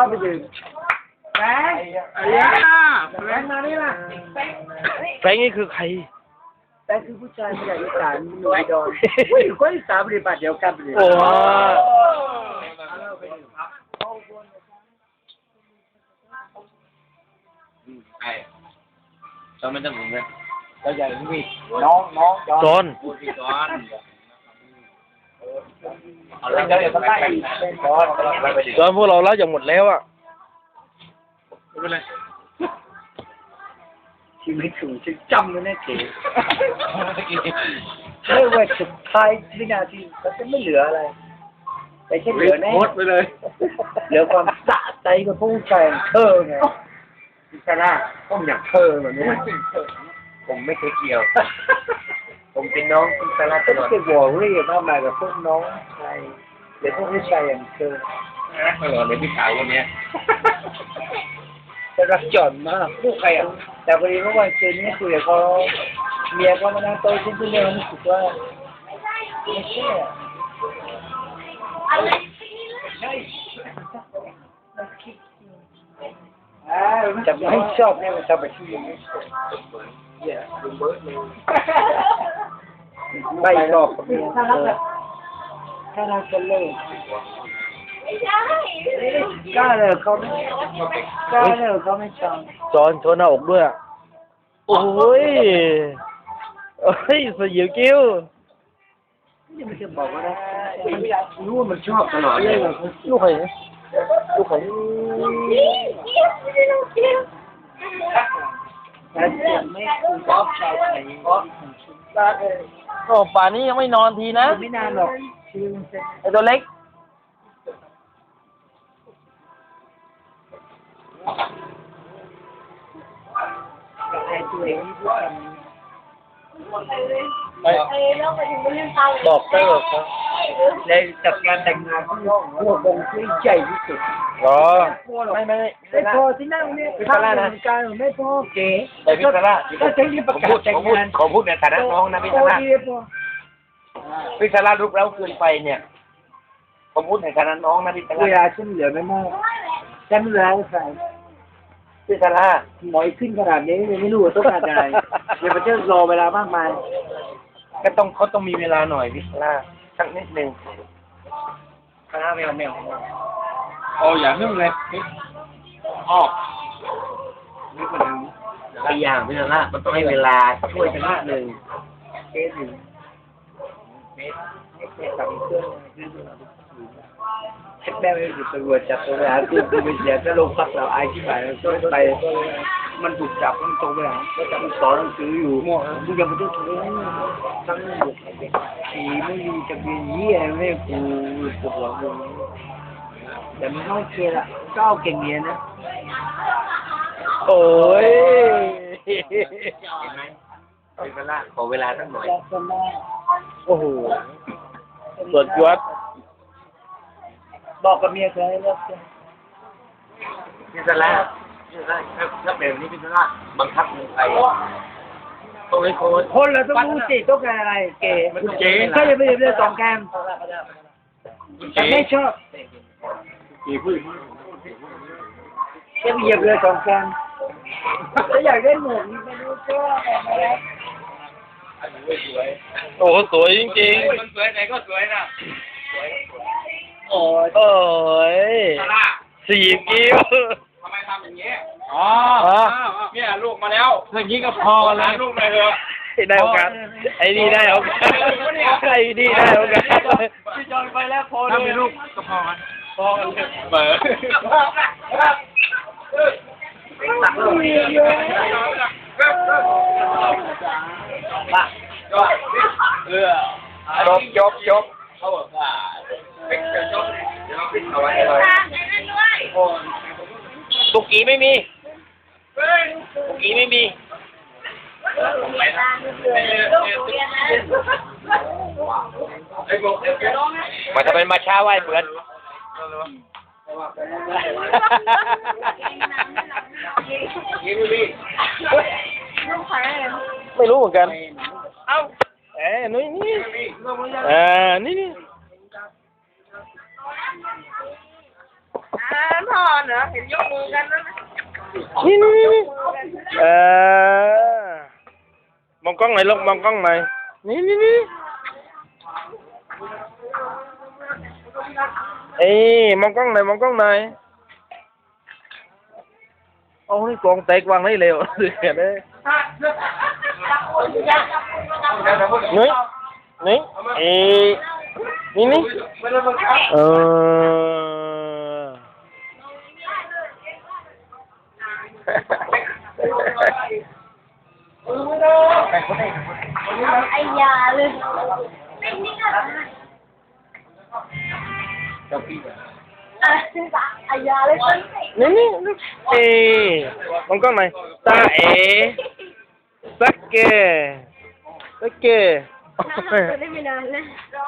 าไปดื่มแฟงไอ้ย่าแฟงมานี่มาแฟงนี่คือใครแฟงคือผู้ชายมาจากอีสานหนุ่มดอนอุ้ยคนอีสานปฏิบัติเดียวกันเลยโอ้ใช่เราไม่ต้องหมุนเลยเราใหญ่นี่น้องจอนพูดที่ซ้อนเอาเรื่องเดี๋ยวไปซ้อนไปดิจอนพวกเราเล่าอย่างหมดแล้วอ่ะไม่เป็นไรชีวิตสูงฉันจำเลยนะเก๋ไม่ว่าสุดท้ายวินาทีมันจะไม่เหลืออะไรแต่แค่เหลือแน่โคตรไปเลยเหลือความสะใจกับผู้ชายอย่างเธอไงพิซซ่าต้องอย่างเธอแบบนี้ผมไม่เคยเกี่ยว ผมเป็นน้องพิซซ่าตก็ลอดจะวอรี่มากมายกับพวกน้องชายหรือพวกผู้ชายอย่างเธอตลอดเลยพี่สาวคนนี้จะรักจอนมากพวกใครอ่ะแต่พอดีเมื่อวันคืนนี้คุยกับเขาเมียเขามานั่งโต๊ะชิ้นที่เดียวรู้สึกว่าไม่ใช่อ่ะจะไม่ชอบเนี่ยมันจะไปที่ยังไงไม่ชอบกับเมียถ้าเราจะเลิกกล้าเลยเขาไม่กล้าเลยเขาไม่ชอบจอนโชว์หน้าอกด้วยอ่ะโอ้ยเฮ้ยสยิวกิ้วนี่มันจะบอกว่านะรู้ว่ามันชอบตลอดเลยลูกใครลูกใครแต่ไม่คุณชอบชายไทยเพราะบ้าเลยโอ้ป่านนี้ยังไม่นอนทีนะไม่นานหรอกชีวิตมันจะไอตัวเล็กไอ้ตัวเองที่พูดกันบอกเตอร์ครับในจัดการแต่งงานที่พวกวงที่ใหญ่ที่สุดอ๋อไม่ไม่พอที่นั่งเนี่ยภาพเหมือนกันไม่พอเก๋แต่พิซซ่าก็ใช้ที่ประกาศแต่งงานขอพูดในฐานะน้องนะพิซพอซ่าดีพอพิซซ่าลุกแล้วเกินไปเนี่ยผมพูดในฐานะน้องนะพิซซ่าเวลาฉันเหลือไม่มากฉันเหลือใส่พิซซ่าหมอยขึ้นขนาดนี้ยังไม่รู้ว่าต้องการอะไรเดี๋ยวมันจะรอเวลามากมายก็ต้องเขาต้องมีเวลาหน่อยพิซซ่าสักนิดนึงคณะแมวโอ้อย่านึ่งเลยออกหลายอย่างพี่นะมันต้องให้เวลาช่วยกันมากหนึ่งเคสหนึ่งเคสกับเครื่องเช็คแม่ไม่ถูกตำรวจจับตัวไปหาตัวไปเสียถ้าลงพักเราอายที่ไหนก็ไปมันถูกจับมันตรงไปหาก็จะมันสอนหนังสืออยู่มึงอย่ามาดูถูกทั้งหมดขี่ไม่มีจะเป็นเหี้ยไม่กูปวดหัวมึงแต่มันก็โอเคละก็เอาเก่งเรียนนะโอ้ยเห็นไหมพิซซ่าขอเวลาสักหน่อยโอ้โหสวดยศบอกกับเมียเคยเลิกกันพิซซ่าถ้าแบบนี้พิซซ่าบังคับเมืองไทยต้องให้โค้ชคนเราต้องรู้สิต้องการอะไรเก๋มันต้องเก๋ก็จะไปเรียนสองแกมแต่ไม่ชอบจะไปเหยียบเรือสองแกมถ้าอยากได้หมวกนี่ไม่รู้ชอบอะไรโอ้โหสวยจริงมันสวยไหนก็สวยนะๆโอ้ยสีกิ้วทำไมทำอย่างนี้อ๋อเนี่ยลูกมาแล้วอย่างนี้ก็พอกันแล้วลูกเลยเถอะได้โอกาสไอ้นี่ได้โอกาสไอ้นี่ได้โอกาสพี่จอนไปแล้วพอถ้ามีลูกก็พอกันพอกันเบอร์ตักลูกมาจบเขาบอกว่าจบเดี๋ยวปิดเอาไว้เลยตุกกี้ไม่มีตุกกี้ไม่มีมาทำเป็นมาช้าไหวเพื่อนไม่รู้เหมือนกันเอ้านี่นี่นี่พ่อเหรอเห็นยกมือกันแล้วนะนี่มองกล้องหน่อยลูกมองกล้องหน่อยนี่เอ้ยมองกล้องหน่อยมองกล้องหน่อยโอ้ยกองแตกวางให้เร็วเสียเลยนี่เอ้ยนี่ไอ้ยาเลยไม่นิ่งอ่ะไอ้ยาเลยนี่เอ้ยมองกล้องหน่อยตาเอ๋สักเกได้ไม่นานเลย